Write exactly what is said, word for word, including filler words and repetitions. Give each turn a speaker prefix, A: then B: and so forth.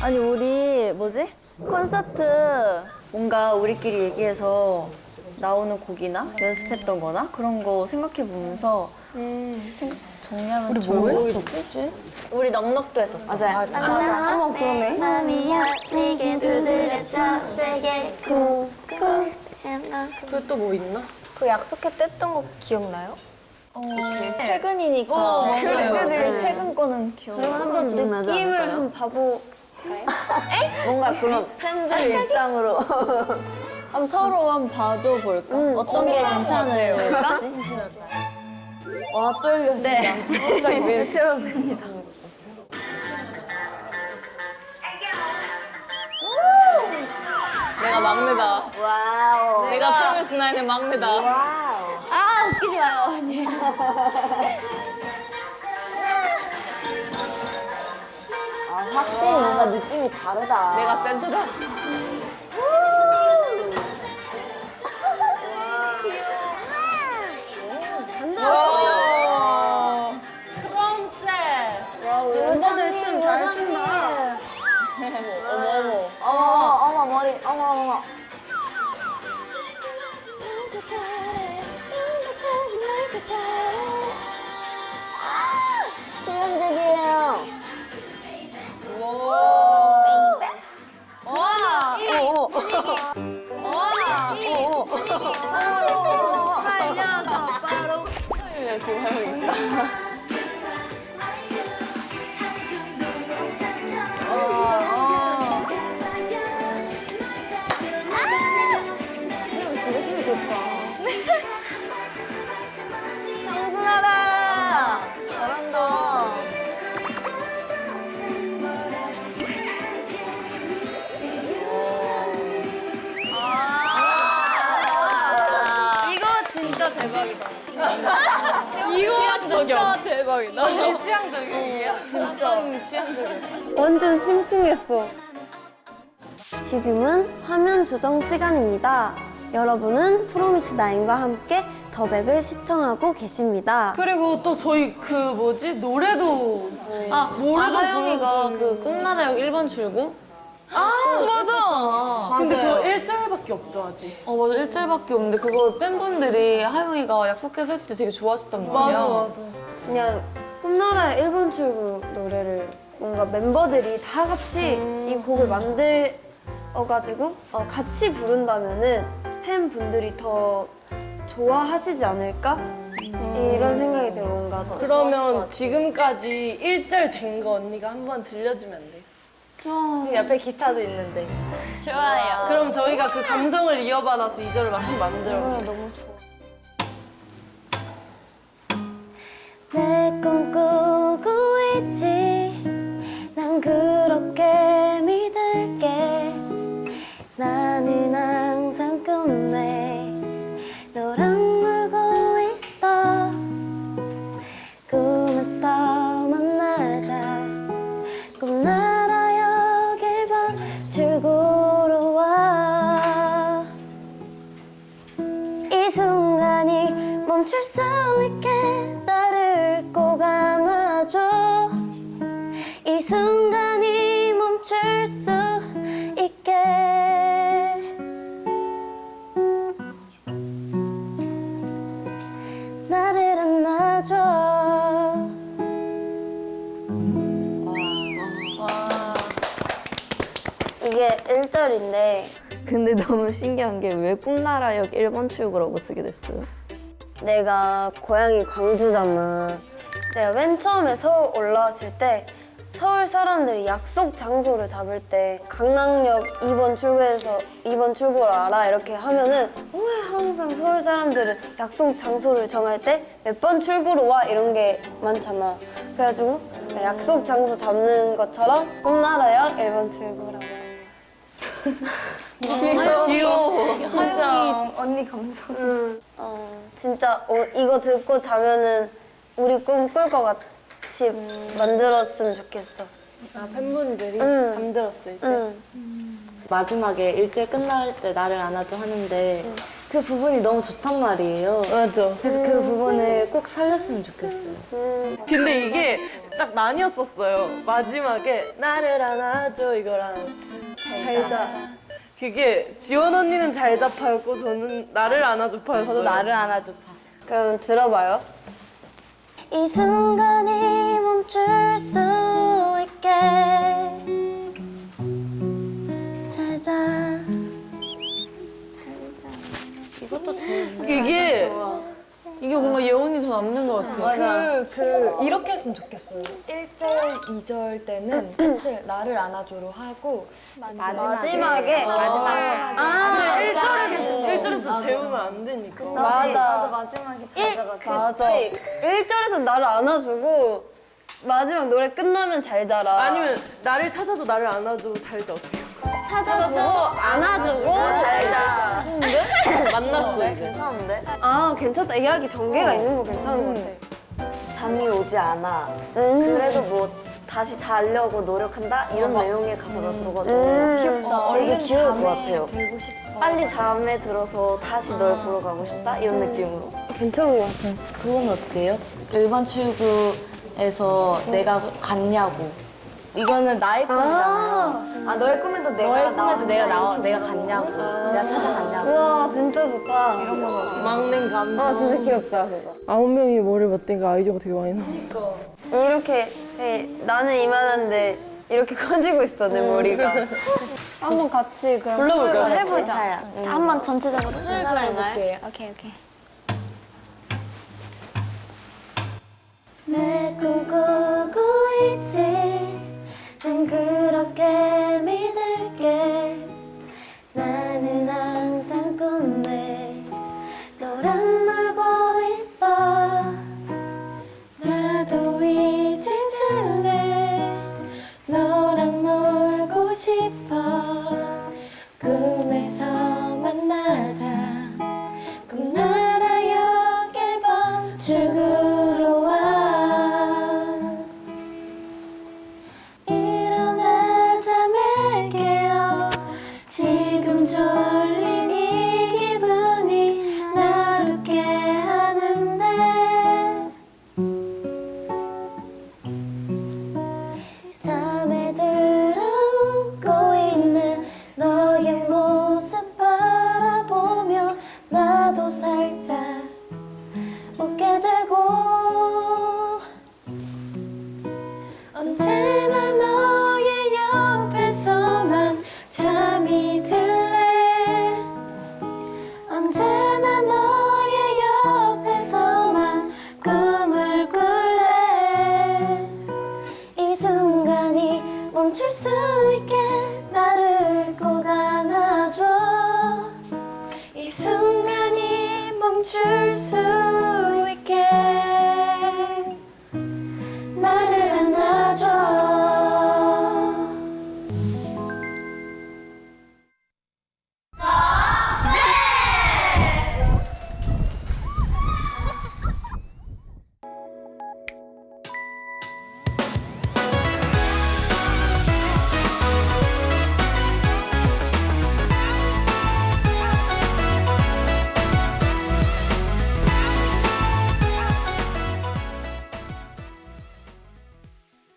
A: 아니 우리 뭐지? 콘서트 뭔가 우리끼리 얘기해서 나오는 곡이나 연습했던 거나 그런 거 생각해 보면서 음. 생각 정리하면 우리 뭐 했었지? 우리 넉넉도 했었어.
B: 맞아요.
A: 맞아.
B: 맞아. 어머 그러네.
A: 맘이야 네게 두드렸죠 세게 쿵쿵 다시 한번
C: 그리고 또 뭐 있나?
B: 그 약속해 뗐던 거 기억나요?
A: 최근이니까
B: 어, 맞아요.
A: 그래도 최근 거는 기억.
B: 저희가 한번 느낌을 한번 봐보.
A: 뭔가 그런 팬들 입장으로 한번 서로 한번 봐줘 볼까? 어떤 게 괜찮을까?
B: 와 떨려 진짜.
A: 네.
B: 갑자기 왜 이렇게.
A: 틀어도 됩니다.
C: 내가 막내다.
B: 와우.
C: 내가 프로미스 나인의 막내다.
B: 와우.
A: 아 웃기지 마요 언니.
B: 아 확실히 뭔가 느낌이 다르다.
C: 내가 센터다. 와. 프롬셋.
A: 멤버들 춤 잘 춘다.
C: 어머 어머.
A: 어머 어머 머리 어머 어머. 수면제기예요.
C: 와.
A: 어머 어머.
B: 살려서 바로.
C: 그냥 지금 해야겠다.
A: 청순하다. 잘한다. 아 이거 진짜 대박이다.
C: 이거
A: 진짜 대박이다.
C: 제 취향적이에요? 진짜 취향적이에요.
B: 완전 심쿵했어. 지금은 화면 조정 시간입니다. 여러분은 프로미스 나인과 함께 더백을 시청하고 계십니다.
C: 그리고 또 저희 그 뭐지 노래도 아 노래도
D: 하영이가
C: 부르고.
D: 그 꿈나라역 일 번 출구?
C: 아 맞아. 근데
D: 맞아요.
C: 그거 일 절밖에 없죠 아직.
D: 어 맞아 일절밖에 없는데 그걸 팬분들이 하영이가 약속해서 했을 때 되게 좋아하셨단 말이야.
C: 맞아 맞아.
B: 그냥 꿈나라의 일 번 출구 노래를 뭔가 멤버들이 다 같이 이 곡을 만들어가지고 어, 같이 부른다면은 팬분들이 더 좋아하시지 않을까? 이런 생각이 들어 뭔가 더.
C: 그러면 지금까지 일 절 된 거 언니가 한번 들려주면 안 돼?
D: 지금 옆에 기타도 있는데.
A: 좋아요.
C: 그럼 저희가 그 감성을 이어받아서 이 절을 한번 만들어.
B: 너무 좋아.
A: 내 꿈꾸고 있지 난 그렇게 믿을게 나는 항상 꿈에 너랑 놀고 있어 꿈에서 만나자 꿈나라역 일 번 출구로 와 이 순간이 멈출 수 있게 나를 꼭 안아줘 이 순간이 멈출 수 있게 나를 안아줘 이게 일 절인데 근데 너무 신기한 게 왜 꿈나라역 일 번 출구라고 쓰게 됐어요? 내가 고향이 광주잖아. 내가 맨 처음에 서울 올라왔을 때 서울 사람들이 약속 장소를 잡을 때 강남역 이 번 출구에서 이 번 출구를 알아 이렇게 하면은 왜 항상 서울 사람들은 약속 장소를 정할 때 몇 번 출구로 와 이런 게 많잖아. 그래가지고 약속 장소 잡는 것처럼 꿈나라역 일 번 출구라고.
C: 귀여워.
A: 진짜 언니 감성. 응. 어, 진짜 어, 이거 듣고 자면은 우리 꿈 꿀 것 같이 만들었으면 좋겠어.
C: 아 팬분들이
A: 응.
C: 잠들었을 때.
A: 응.
D: 마지막에 일절 끝날 때 나를 안아줘 하는데 그 부분이 너무 좋단 말이에요.
C: 맞아.
D: 그래서 그 부분을 꼭 살렸으면 좋겠어요.
C: 근데 이게 딱 나뉘었었어요. 마지막에 나를 안아줘 이거랑 잘자. 그게 지원 언니는 잘자파였고 저는 나를 안아줘파였어요.
D: 저도 나를 안아줘 봐.
A: 그럼 들어봐요. 이 순간이 멈출 수 있게 잘자.
D: 이것도 좋은.
C: 그게
D: 이게 뭔가 예원이 더 남는 것 같아요.
E: 그, 그 이렇게 했으면 좋겠어요. 일 절, 이 절 때는 끝을 나를 안아줘로 하고
A: 마지막에
D: 마지막에.
C: 아, 일 절에서 일 절에서 재우면 안 되니까.
A: 맞아.
D: 마지막에
A: 맞아. 일 절에서 나를 안아주고 마지막 노래 끝나면 잘 자라.
C: 아니면 나를 찾아줘 나를 안아줘 잘자 어떻게?
A: 찾아주고 안아주고 잘 자.
C: 만났어 이제.
A: 괜찮은데? 아 괜찮다. 이야기 전개가 있는 거 괜찮은 것 같아. 잠이 오지 않아. 그래도 뭐 다시 자려고 노력한다 이런 내용의 가사가 들어가지고 귀엽다. 얼른 귀여울 것 같아요.
E: 들고 싶어.
A: 빨리 잠에 들어서 다시 널 보러 가고 싶다 이런 느낌으로. 괜찮은 것 같아요.
D: 그건 어때요? 일반 출구에서 내가 갔냐고. 이거는 나의 꿈이잖아요.
A: 아 너의 꿈에도 내가
D: 너의 꿈에도 내가 나와, 내가 갔냐고. 내가 찾아갔냐고.
A: 우와 진짜 좋다. 이런 거.
C: 막내 감성.
A: 아 진짜 귀엽다 그거.
C: 아홉 명이 뭐를 맞대니까 아이디어가 되게 많이 나와.
A: 이렇게 해, 나는 이만한데 이렇게 커지고 있어 내 머리가. 한번 같이 그럼
C: 불러볼까요?
A: 해보자. 한번 전체적으로
E: 해볼게요.
A: 오케이 오케이. 내 꿈꾸고 있지 난 그렇게 믿을게 나는 항상 꿈에 너랑 놀고 있어
F: 나도 이제 잘래 너랑 놀고 싶어 꿈에서 만나자 꿈나라역 일 번 출구로 와 일어나 잠에 깨어 지금 졸린 이 기분이 나를 깨하는데 잠에 들어오고 있는 너의 모습 바라보며 나도 살짝 웃게 되고 언제나 너의 옆에서만 잠이 들래 언제나 너의 옆에서만 꿈을 꿀래 이 순간이 멈출 수 있게 나를 꼭 안아줘 이 순간이 멈출 수